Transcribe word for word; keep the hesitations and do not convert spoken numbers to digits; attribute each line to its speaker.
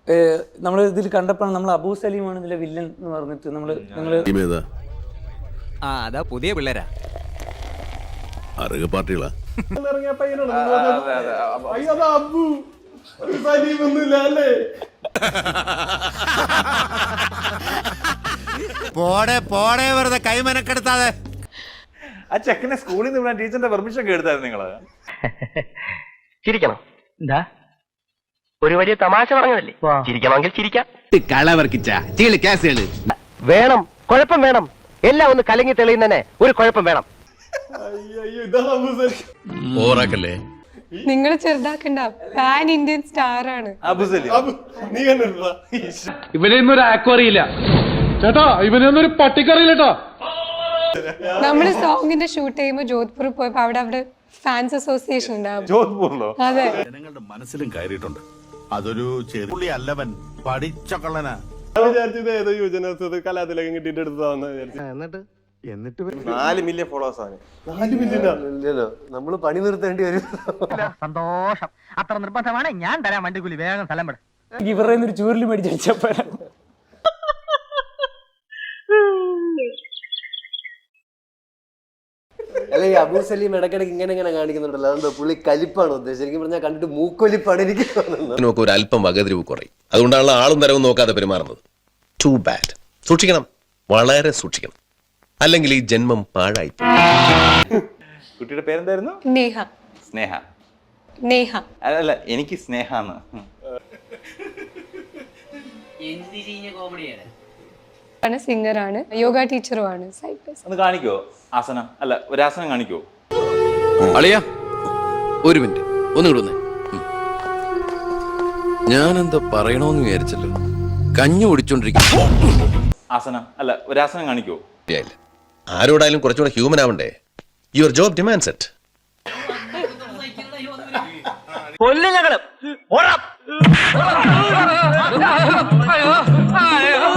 Speaker 1: നമ്മൾ ഇതിൽ കണ്ടപ്പോഴാണ് നമ്മൾ അബൂ സലീമാണ് ഇതിലെ വില്ലൻ എന്ന് പറഞ്ഞിട്ട് നമ്മൾ നിങ്ങൾ
Speaker 2: ആ അതാ പുതിയ പിള്ളേരാ
Speaker 3: അറിയ പാർട്ടികളാ
Speaker 4: പോടെ പോടെ വെറുതെ കൈമനക്കെടുത്താതെ.
Speaker 5: ആ ചെക്കനെ സ്കൂളിൽ നിന്ന് വിടാൻ ടീച്ചറിന്റെ പെർമിഷൻ ഒക്കെ എടുത്തായിരുന്നു നിങ്ങള്?
Speaker 6: ചിരിക്കണം. എന്താ ഒരു വലിയ തമാശ പറഞ്ഞതല്ലേ, ചിരിക്കണമെങ്കിൽ ചിരിക്കാം. വേണം, കുഴപ്പം വേണം. എല്ലാം ഒന്ന് കലങ്ങി തെളിയുന്നതന്നെ ഒരു കുഴപ്പം വേണം.
Speaker 7: നിങ്ങൾ ചെറുതാക്കണ്ട, പാൻ ഇന്ത്യൻ സ്റ്റാർ ആണ്
Speaker 8: ഇവനെയൊന്നും ഒരു ആക്കും അറിയില്ല ചേട്ടാ, ഇവനെയൊന്നും ഒരു പട്ടിക്കറിയില്ല കേട്ടോ.
Speaker 7: നമ്മള് സോങ്ങിന്റെ ഷൂട്ട് ചെയ്യുമ്പോ ജോധ്പൂർ പോയപ്പോ അവിടെ അവിടെ ഫാൻസ് അസോസിയേഷൻ ഉണ്ടാവും.
Speaker 5: ജോധ്പൂരിലോ?
Speaker 7: അതെ.
Speaker 3: ജനങ്ങളുടെ മനസ്സിലും കയറിയിട്ടുണ്ട്. അതൊരു ചെറിയ അല്ലവൻ പഠിച്ച കള്ളനാ.
Speaker 9: ഏതോ യുവജനോത്സവ കലാതിലകം കിട്ടിയിട്ട് എടുത്തതാന്ന് വിചാരിച്ചു.
Speaker 5: എന്നിട്ട് നാല് മില്യൺ ഫോളോവേഴ്സ് ആണ്.
Speaker 9: നാല് മില്യനോ? നമ്മള് പണി നിർത്തേണ്ടി വരും.
Speaker 6: സന്തോഷം. അത്ര നിർബന്ധമാണ്. ഞാൻ തരാം വണ്ടിക്കൂലി. വേഗം സ്ഥലം പെടാം.
Speaker 1: ഇവരുടെ ഒരു ചൂരിൽ മേടിച്ചപ്പോ
Speaker 9: അല്ലെ ഈ അബൂ സലീം ഇടയ്ക്കിടയ്ക്ക് ഇങ്ങനെ ഇങ്ങനെ കാണിക്കുന്നുണ്ടല്ലോ, അതെന്താ പുള്ളി കലിപ്പാണ് ഉദ്ദേശിച്ചത്? എനിക്ക് പറഞ്ഞാൽ കണ്ടിട്ട് മൂക്കൊലിപ്പാണ് എനിക്ക് തോന്നുന്നത്.
Speaker 3: ഒരു അല്പം വകതിരിവ് കുറയും, അതുകൊണ്ടാണ് ആളും തരവും നോക്കാതെ പെരുമാറുന്നത്. Too bad. സൂക്ഷിക്കണം, വളരെ സൂക്ഷിക്കണം, അല്ലെങ്കിൽ ഈ ജന്മം പാഴായി.
Speaker 5: കുട്ടിയുടെ പേരെന്തായിരുന്നു?
Speaker 7: നേഹ.
Speaker 5: സ്നേഹ.
Speaker 7: നേഹ
Speaker 5: അല്ല, എനിക്ക് സ്നേഹാന്ന്.
Speaker 7: സിംഗർ ആണ്, യോഗ ടീച്ചറും ആണ്.
Speaker 5: ഒന്ന് കാണിക്കോ ആസനം? അല്ല, ഒരു ആസനം കാണിക്കോ?
Speaker 10: അളിയാ ഒരു മിനിറ്റ് ഒന്ന് കിടന്നേ. ഞാനെന്താ പറയണോന്ന് വിചാരിച്ചല്ലോ, കഞ്ഞി കുടിച്ചോണ്ടിരിക്കും.
Speaker 5: ആസനം അല്ല, ഒരു ആസനം കാണിക്കോ?
Speaker 3: ആരോടായാലും കുറച്ചുകൂടെ ഹ്യൂമൻ ആവണ്ടേ? Your job demands it.
Speaker 6: കൊല്ലുകള്